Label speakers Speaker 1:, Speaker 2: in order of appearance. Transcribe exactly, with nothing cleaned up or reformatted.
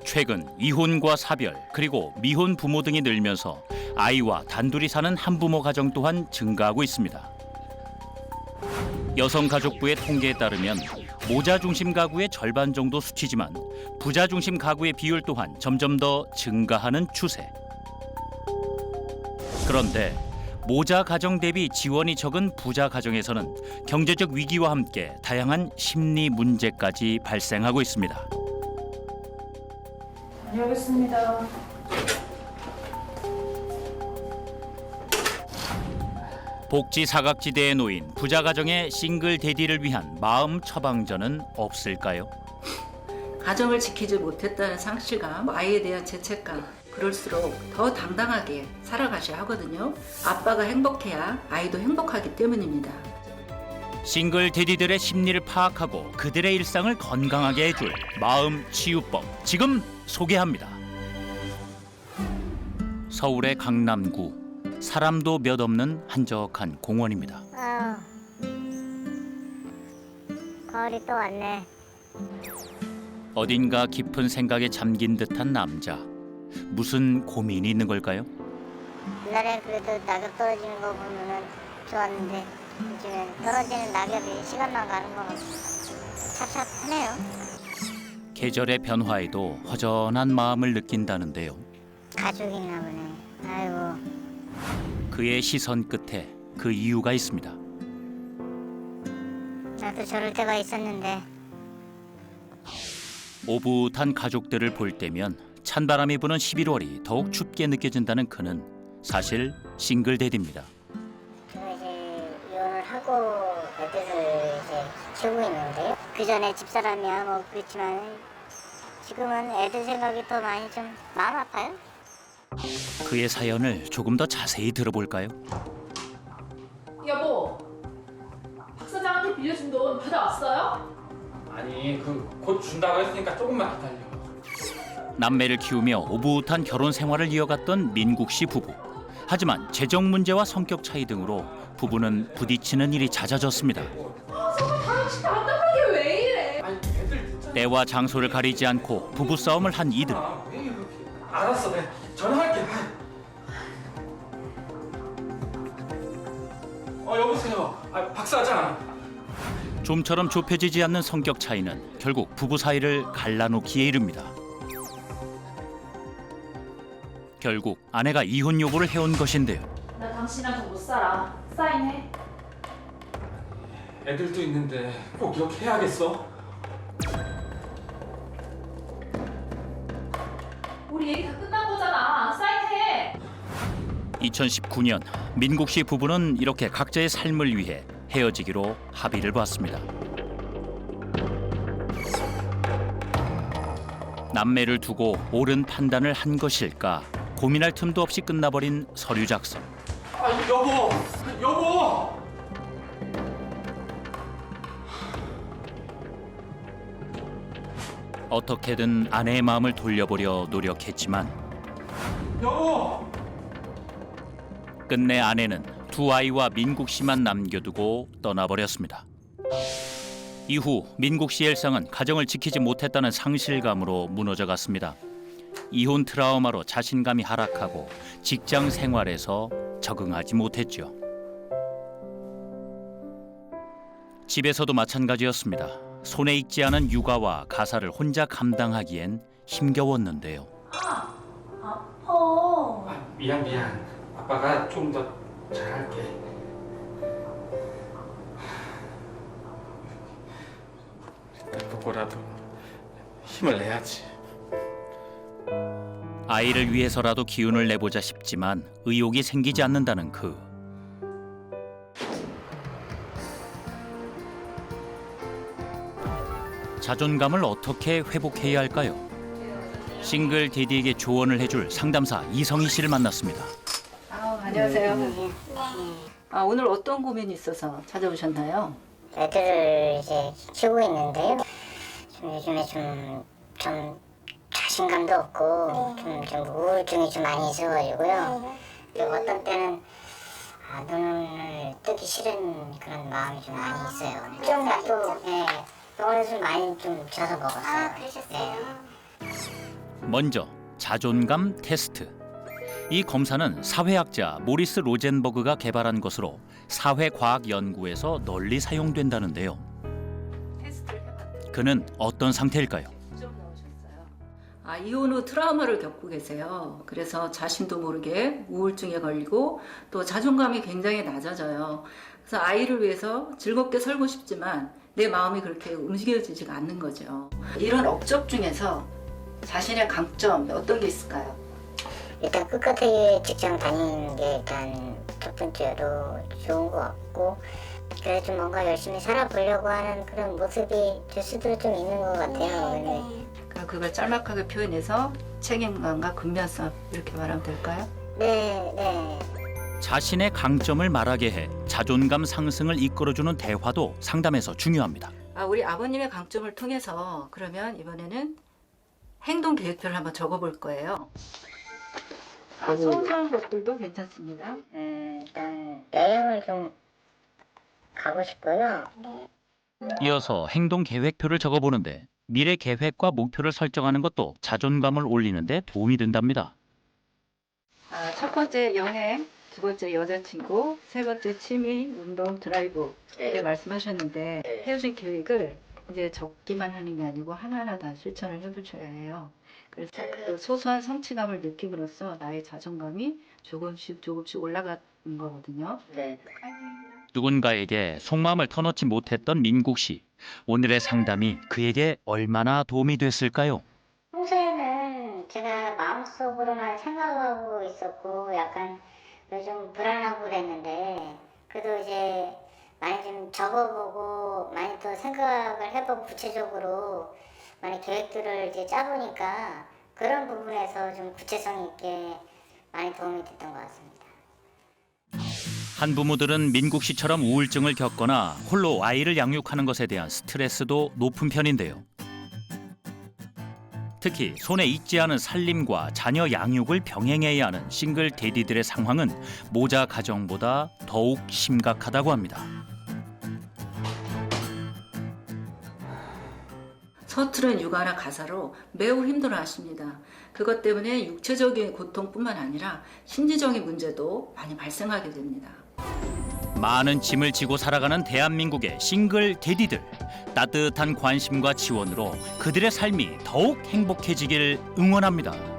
Speaker 1: 최근 이혼과 사별 그리고 미혼 부모 등이 늘면서 아이와 단둘이 사는 한부모 가정 또한 증가하고 있습니다. 여성가족부의 통계에 따르면 모자 중심 가구의 절반 정도 수치지만 부자 중심 가구의 비율 또한 점점 더 증가하는 추세. 그런데 모자 가정 대비 지원이 적은 부자 가정에서는 경제적 위기와 함께 다양한 심리 문제까지 발생하고 있습니다.
Speaker 2: 다녀오겠습니다.
Speaker 1: 복지 사각지대에 놓인 부자 가정의 싱글 대디를 위한 마음 처방전은 없을까요?
Speaker 3: 가정을 지키지 못했다는 상실감, 아이에 대한 죄책감, 그럴수록 더 당당하게 살아가셔야 하거든요. 아빠가 행복해야 아이도 행복하기 때문입니다.
Speaker 1: 싱글 대디들의 심리를 파악하고 그들의 일상을 건강하게 해줄 마음 치유법 지금 소개합니다. 서울의 강남구 사람도 몇 없는 한적한 공원입니다.
Speaker 4: 아유, 가을이 또 왔네.
Speaker 1: 어딘가 깊은 생각에 잠긴 듯한 남자. 무슨 고민이 있는 걸까요?
Speaker 4: 옛날에 그래도 낙엽 떨어지는 거 보면은 좋았는데 요즘엔 떨어지는 낙엽이 시간만 가는 거 찹찹하네요.
Speaker 1: 계절의 변화에도 허전한 마음을 느낀다는데요.
Speaker 4: 가족이나 보네. 아이고.
Speaker 1: 그의 시선 끝에 그 이유가 있습니다.
Speaker 4: 나도 저럴 때가 있었는데.
Speaker 1: 오붓한 가족들을 볼 때면 찬바람이 부는 십일월이 더욱 춥게 느껴진다는 그는 사실 싱글 대디입니다.
Speaker 4: 제가 이제 이혼을 하고 애들을 이제 키우고 있는데요. 그 전에 집사람이야 뭐 그렇지만 지금은 애들 생각이 더 많이 좀 마음 아파요.
Speaker 1: 그의 사연을 조금 더 자세히 들어볼까요?
Speaker 2: 여보, 박 사장한테 빌려준 돈 받아왔어요?
Speaker 5: 아니 그 곧 준다고 했으니까 조금만 기다려.
Speaker 1: 남매를 키우며 오붓한 결혼 생활을 이어갔던 민국 씨 부부. 하지만 재정 문제와 성격 차이 등으로 부부는 부딪히는 일이 잦아졌습니다.
Speaker 2: 아, 정말 당신 답답하게 왜 이래?
Speaker 5: 아니 애들 진짜.
Speaker 1: 때와 장소를 가리지 않고 부부 싸움을 한 이들.
Speaker 5: 아, 왜 이렇게? 알았어, 내가 전화할게. 어 여보세요. 아, 박 사장.
Speaker 1: 좀처럼 좁혀지지 않는 성격 차이는 결국 부부 사이를 갈라놓기에 이릅니다. 결국 아내가 이혼 요구를 해온 것인데요.
Speaker 2: 나 당신이랑 더 못 살아. 사인해.
Speaker 5: 애들도 있는데 꼭 이렇게 해야겠어?
Speaker 2: 우리 얘기 다 끝난 거잖아. 사인해.
Speaker 1: 이천십구 년 민국 씨 부부는 이렇게 각자의 삶을 위해 헤어지기로 합의를 봤습니다. 남매를 두고 옳은 판단을 한 것일까 고민할 틈도 없이 끝나버린 서류 작성.
Speaker 5: 아 여보, 여보.
Speaker 1: 어떻게든 아내의 마음을 돌려보려 노력했지만
Speaker 5: 여보.
Speaker 1: 끝내 아내는 두 아이와 민국 씨만 남겨두고 떠나버렸습니다. 이후 민국 씨의 일상은 가정을 지키지 못했다는 상실감으로 무너져갔습니다. 이혼 트라우마로 자신감이 하락하고 직장 생활에서 적응하지 못했죠. 집에서도 마찬가지였습니다. 손에 익지 않은 육아와 가사를 혼자 감당하기엔 힘겨웠는데요.
Speaker 2: 아파.
Speaker 5: 아, 미안 미안. 아빠가 좀 더 잘할게. 일단 보고라도 힘을 내야지.
Speaker 1: 아이를 위해서라도 기운을 내보자 싶지만 의욕이 생기지 않는다는 그. 자존감을 어떻게 회복해야 할까요? 싱글 대디에게 조언을 해줄 상담사 이성희 씨를 만났습니다.
Speaker 3: 아, 안녕하세요. 아, 오늘 어떤 고민이 있어서 찾아오셨나요?
Speaker 4: 애들을 이제 키우고 있는데요. 좀 요즘에 좀, 좀 자신감도 없고 좀, 좀 우울증이 좀 많이 있어가지고요. 그리고 어떤 때는 아, 눈을 뜨기 싫은 그런 마음이 좀 많이 있어요. 좀 또 예, 병원에서 좀 많이 좀 줘서 먹었어요. 아, 그러셨어요? 네.
Speaker 1: 먼저 자존감 테스트. 이 검사는 사회학자 모리스 로젠버그가 개발한 것으로 사회과학연구에서 널리 사용된다는데요.
Speaker 3: 테스트를 해봤는데
Speaker 1: 그는 어떤 상태일까요?
Speaker 3: 점 나오셨어요. 아, 이혼 후 트라우마를 겪고 계세요. 그래서 자신도 모르게 우울증에 걸리고 또 자존감이 굉장히 낮아져요. 그래서 아이를 위해서 즐겁게 살고 싶지만 내 마음이 그렇게 움직여지지가 않는 거죠. 이런 업적 중에서 자신의 강점 어떤 게 있을까요?
Speaker 4: 일단 끝까지 직장 다니는 게 일단 첫 번째로 좋은 것 같고, 그래서 좀 뭔가 열심히 살아보려고 하는 그런 모습이 제 스스로 좀 있는 것 같아요. 네.
Speaker 3: 그럼 그걸 짤막하게 표현해서 책임감과 근면성 이렇게 말하면 될까요?
Speaker 4: 네, 네.
Speaker 1: 자신의 강점을 말하게 해 자존감 상승을 이끌어주는 대화도 상담에서 중요합니다.
Speaker 3: 아, 우리 아버님의 강점을 통해서 그러면 이번에는 행동 계획표를 한번 적어볼 거예요. 아, 소소한 것들도 괜찮습니다.
Speaker 4: 음, 일단 여행을 좀 가고 싶고요.
Speaker 1: 이어서 행동 계획표를 적어보는데 미래 계획과 목표를 설정하는 것도 자존감을 올리는 데 도움이 된답니다.
Speaker 3: 아, 첫 번째 여행, 두 번째 여자친구, 세 번째 취미, 운동, 드라이브 이렇게 말씀하셨는데 헤어진 계획을 이제 적기만 하는 게 아니고 하나하나 다 실천을 해보셔야 해요. 그래서 그 소소한 성취감을 느낌으로써 나의 자존감이 조금씩 조금씩 올라가는 거거든요.
Speaker 4: 네.
Speaker 1: 누군가에게 속마음을 터놓지 못했던 민국 씨. 오늘의 상담이 그에게 얼마나 도움이 됐을까요?
Speaker 4: 평소에는 제가 마음속으로만 생각하고 있었고 약간 요즘 불안하고 그랬는데, 그래도 이제 많이 좀 적어보고 많이 또 생각을 해보고 구체적으로 많이 계획들을 이제 짜보니까 그런 부분에서 좀 구체성 있게 많이 도움이 됐던 것 같습니다.
Speaker 1: 한부모들은 민국 씨처럼 우울증을 겪거나 홀로 아이를 양육하는 것에 대한 스트레스도 높은 편인데요. 특히 손에 익지 않은 살림과 자녀 양육을 병행해야 하는 싱글 대디들의 상황은 모자 가정보다 더욱 심각하다고 합니다.
Speaker 3: 서투른 육아나 가사로 매우 힘들어하십니다. 그것 때문에 육체적인 고통뿐만 아니라 심리적인 문제도 많이 발생하게 됩니다.
Speaker 1: 많은 짐을 지고 살아가는 대한민국의 싱글 대디들. 따뜻한 관심과 지원으로 그들의 삶이 더욱 행복해지길 응원합니다.